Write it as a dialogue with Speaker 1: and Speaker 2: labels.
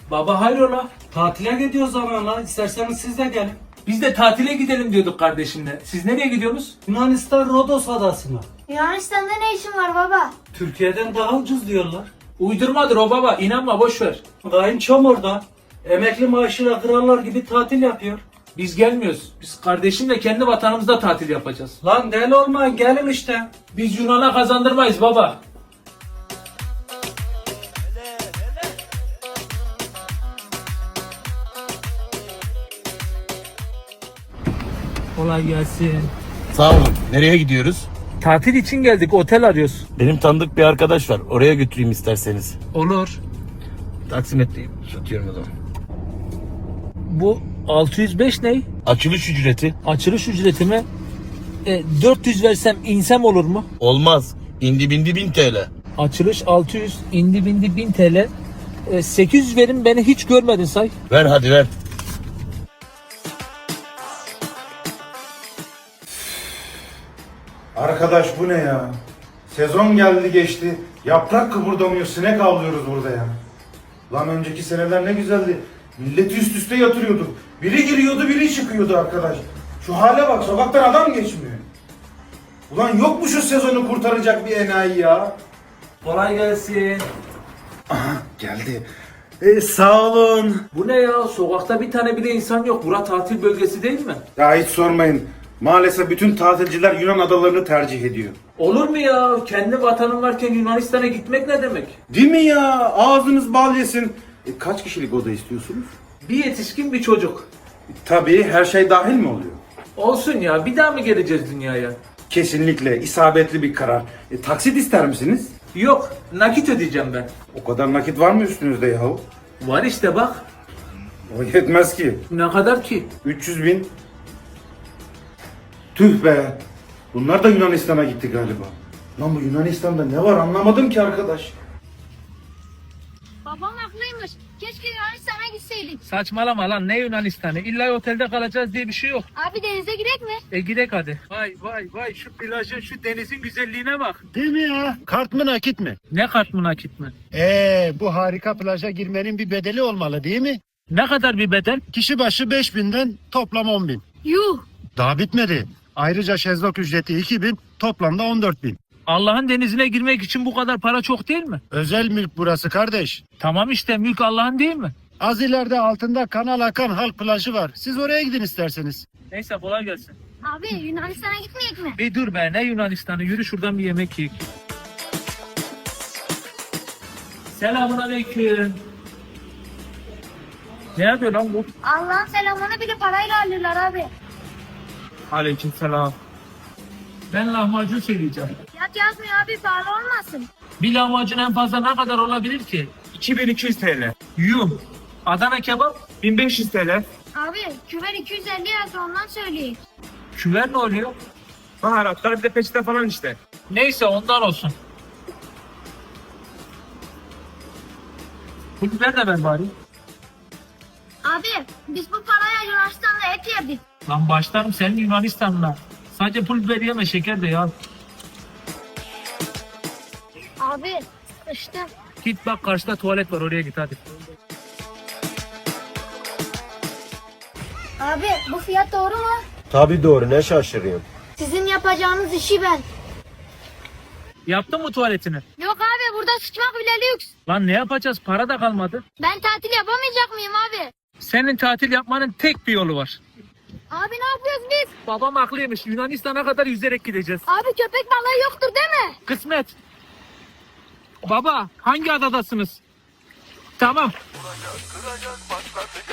Speaker 1: Baba hayrola?
Speaker 2: Tatile gidiyoruz zamanla. İsterseniz siz de gelin.
Speaker 1: Biz de tatile gidelim diyorduk kardeşimle. Siz nereye gidiyorsunuz?
Speaker 2: Yunanistan Rodos adasına.
Speaker 3: Yunanistan'da ne işin var baba?
Speaker 2: Türkiye'den daha ucuz diyorlar.
Speaker 1: Uydurmadır o baba. İnanma boş ver.
Speaker 2: Kayınçom orada. Emekli maaşıyla krallar gibi tatil yapıyor.
Speaker 1: Biz gelmiyoruz. Biz kardeşimle kendi vatanımızda tatil yapacağız.
Speaker 2: Lan deli olmayın gelin işte.
Speaker 1: Biz Yunan'a kazandırmayız baba. Kolay gelsin.
Speaker 4: Sağ olun. Nereye gidiyoruz?
Speaker 1: Tatil için geldik. Otel arıyoruz.
Speaker 4: Benim tanıdık bir arkadaş var. Oraya götüreyim isterseniz.
Speaker 1: Olur.
Speaker 4: Taksimetreyim. Satıyorum o zaman.
Speaker 1: Bu 605 ne?
Speaker 4: Açılış ücreti.
Speaker 1: Açılış ücreti mi? 400 versem insem olur mu?
Speaker 4: Olmaz. İndi bindi 1000 TL.
Speaker 1: Açılış 600, indi bindi 1000 TL. 800 verin, beni hiç görmedin say.
Speaker 4: Ver hadi ver.
Speaker 5: Arkadaş bu ne ya? Sezon geldi geçti. Yaprak kıpırdamıyor. Sinek avlıyoruz burada ya. Lan önceki seneler ne güzeldi. Milleti üst üste yatırıyorduk. Biri giriyordu biri çıkıyordu arkadaş. Şu hale bak, sokaktan adam geçmiyor. Ulan yok mu şu sezonu kurtaracak bir enayi ya?
Speaker 1: Kolay gelsin.
Speaker 5: Geldi. Sağ olun.
Speaker 1: Bu ne ya? Sokakta bir tane bile insan yok. Bura tatil bölgesi değil mi?
Speaker 5: Ya hiç sormayın. Maalesef bütün tatilciler Yunan adalarını tercih ediyor.
Speaker 1: Olur mu ya? Kendi vatanım varken Yunanistan'a gitmek ne demek?
Speaker 5: Değil mi ya? Ağzınız bal yesin. Kaç kişilik oda istiyorsunuz?
Speaker 1: Bir yetişkin bir çocuk.
Speaker 5: Tabii her şey dahil mi oluyor?
Speaker 1: Olsun ya, bir daha mı geleceğiz dünyaya?
Speaker 5: Kesinlikle isabetli bir karar. Taksit ister misiniz?
Speaker 1: Yok, nakit ödeyeceğim ben.
Speaker 5: O kadar nakit var mı üstünüzde yahu?
Speaker 1: Var işte bak.
Speaker 5: O yetmez ki.
Speaker 1: Ne kadar ki?
Speaker 5: 300 bin. Tüh be. Bunlar da Yunanistan'a gitti galiba. Lan bu Yunanistan'da ne var anlamadım ki arkadaş.
Speaker 3: Babam haklıymış. Keşke Yunanistan'a gitseydik.
Speaker 1: Saçmalama lan, ne Yunanistan'ı? İlla otelde kalacağız diye bir şey yok.
Speaker 3: Abi denize girek mi?
Speaker 1: Gidek hadi. Vay vay vay, şu plajın, şu denizin güzelliğine bak.
Speaker 6: Değil mi ya? Kart mı nakit mi?
Speaker 1: Ne kart mı nakit mi?
Speaker 6: Bu harika plaja girmenin bir bedeli olmalı değil mi?
Speaker 1: Ne kadar bir bedel?
Speaker 6: Kişi başı 5.000'den toplam 10.000.
Speaker 3: Yuh.
Speaker 6: Daha bitmedi. Ayrıca şezlong ücreti 2.000, toplamda 14.000.
Speaker 1: Allah'ın denizine girmek için bu kadar para çok değil mi?
Speaker 6: Özel mülk burası kardeş.
Speaker 1: Tamam işte, mülk Allah'ın değil mi?
Speaker 6: Az ileride altında kanal akan halk plajı var. Siz oraya gidin isterseniz.
Speaker 1: Neyse, kolay gelsin.
Speaker 3: Abi Yunanistan'a gitmeyek mi?
Speaker 1: Bir dur be, ne Yunanistan'ı, yürü şuradan bir yemek yiyek. Selamun aleyküm. Ne yapıyor lan bu?
Speaker 3: Allah'ın selamını bile parayla alırlar abi.
Speaker 1: Aleyküm selam. Ben lahmacun söyleyeceğim.
Speaker 3: Fiyat yazmıyor abi, pahalı olmasın.
Speaker 1: Bir lahmacun en fazla ne kadar olabilir ki?
Speaker 7: 2200 TL.
Speaker 1: Yuh. Adana kebap?
Speaker 7: 1500 TL.
Speaker 3: Abi küver 250 yazdı, ondan söyleyeyim.
Speaker 1: Küver ne oluyor?
Speaker 7: Baharatlar bir de peçete falan işte.
Speaker 1: Neyse, ondan olsun. Bu biber de ver bari.
Speaker 3: Abi biz bu paraya Yunanistan'da et yedik.
Speaker 1: Lan başlarım senin Yunanistan'la. Sadece pul biber yeme, şeker de ya.
Speaker 3: Abi sıçtım.
Speaker 1: Git bak, karşıda tuvalet var, oraya git hadi.
Speaker 3: Abi bu fiyat doğru mu?
Speaker 6: Tabii doğru, ne şaşırıyorsun?
Speaker 3: Sizin yapacağınız işi ben.
Speaker 1: Yaptın mı tuvaletini?
Speaker 3: Yok abi, burada sıçmak bile lüks.
Speaker 1: Lan ne yapacağız? Para da kalmadı.
Speaker 3: Ben tatil yapamayacak mıyım abi?
Speaker 1: Senin tatil yapmanın tek bir yolu var.
Speaker 3: Abi ne yapıyoruz biz?
Speaker 1: Babam haklıymış. Yunanistan'a kadar yüzerek gideceğiz.
Speaker 3: Abi köpek balığı yoktur değil mi?
Speaker 1: Kısmet. Baba, hangi adadasınız? Tamam.
Speaker 8: Kıracak başladı